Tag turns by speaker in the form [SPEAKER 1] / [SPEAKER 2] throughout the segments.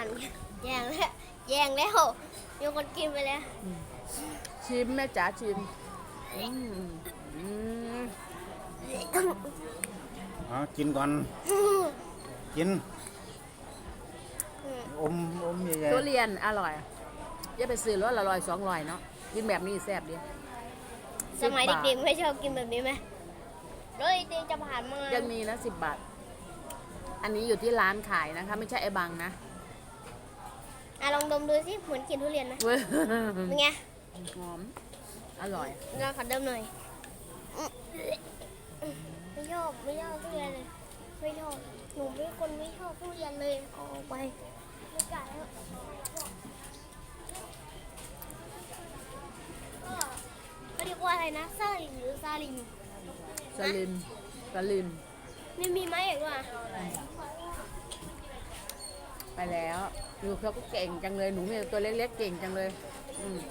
[SPEAKER 1] แย่งแล้วแย่งแล้วมีคนกินไปแล้ว
[SPEAKER 2] ชิมแม่จ๋าชิมอืมอืม
[SPEAKER 3] กินก่อน กิน อมใหญ่
[SPEAKER 2] ทุเรียนอร่อยอย่าไปซื้อรสละ100-200เนาะกินแบบนี้แซ่บดี
[SPEAKER 1] สมัยเด็กๆไม่ชอบกินแบบนี้ไหมเลยเด็กจะผ่านมา
[SPEAKER 2] ยังมีนะ10 บาทอันนี้อยู่ที่ร้านขายนะคะไม่ใช่ไอ้บังนะ
[SPEAKER 1] ลองดมดูสิเหมือนกินทุเรียนไหม
[SPEAKER 2] เว้ย
[SPEAKER 1] เป็นไง
[SPEAKER 2] หอมอร่อย
[SPEAKER 1] ลองขอดมหน่อยไม่ชอบทุเรียนเลยไม่ชอบหนูเป็นคนไม่ชอบทุเรียนเลยเอาออกไปไม่กล้าแล้วเขาเรียกว่าอะไรนะซาลิมหรือซาลิม
[SPEAKER 2] สลิมสลิม
[SPEAKER 1] นี่มีไหมอีกว่ะ
[SPEAKER 2] ไปแล้วดูเขาก็เก่งจังเลยหนูเนี่ยตัวเล็กๆเก่งจังเลยอืม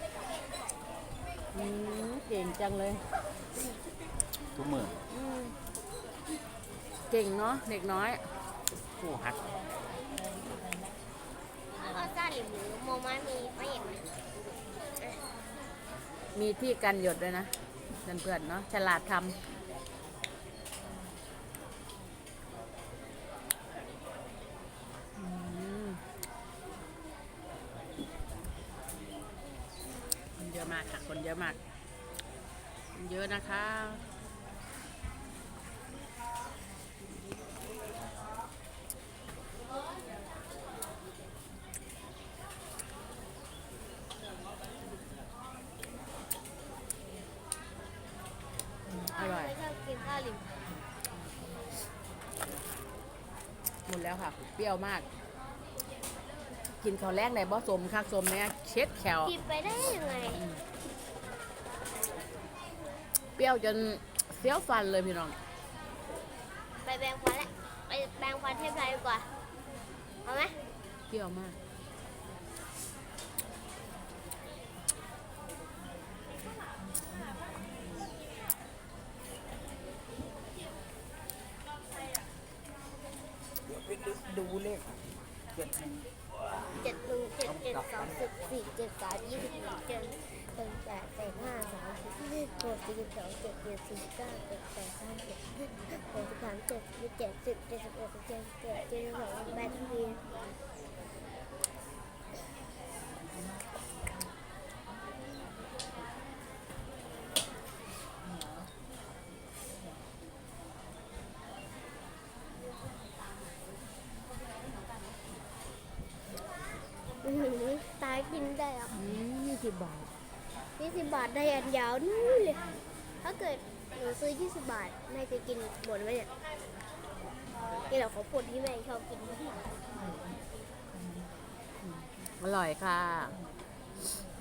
[SPEAKER 2] เก่งจังเลย
[SPEAKER 3] ๆทุกมือ
[SPEAKER 2] เก่งเนาะเด็กน้อย
[SPEAKER 3] ผู้หัด
[SPEAKER 1] แล้วก็ซาลิมหรือโมมามีไหมอีกไหม
[SPEAKER 2] มีที่กันหยดด้วยนะเพื่อนๆเนาะฉลาดทำคนเยอะมากค่ะคนเยอะมากคนเยอะนะคะอร่อย
[SPEAKER 1] ไม่ชอบกินซาลิม
[SPEAKER 2] หมดแล้วค่ะ เปรี้ยวมาก กินข้าวแรกในบ่สมคักสมเนี่ยเช็ดแขว
[SPEAKER 1] กินไปได้ยังไง
[SPEAKER 2] เปรี้ยวจนเสี้ยวฟันเลยพี่น้อง
[SPEAKER 1] ไปแปรงฟันแล้วไปแปรงฟันเทปไรดีกว่าเอาไหม
[SPEAKER 2] เปรี้ยวมาก
[SPEAKER 3] ดูเลข
[SPEAKER 1] 7 1 7 7 7 2 10 4 7 3 21 7 1 8 8 5 30 6 42 7 7 4 9 7 8 3 7 6 3 7 7 10 71 72 8 ทีตายกินได้อ่ะ
[SPEAKER 2] 20 บาท
[SPEAKER 1] 20 บาทได้อันยาวนู่นเลย ถ้าเกิดหนูซื้อ20 บาทแม่จะกินหมดไหมเนี่ยนี่เราเขาปวดที่แม่ชอบกิน
[SPEAKER 2] อร่อยค่ะ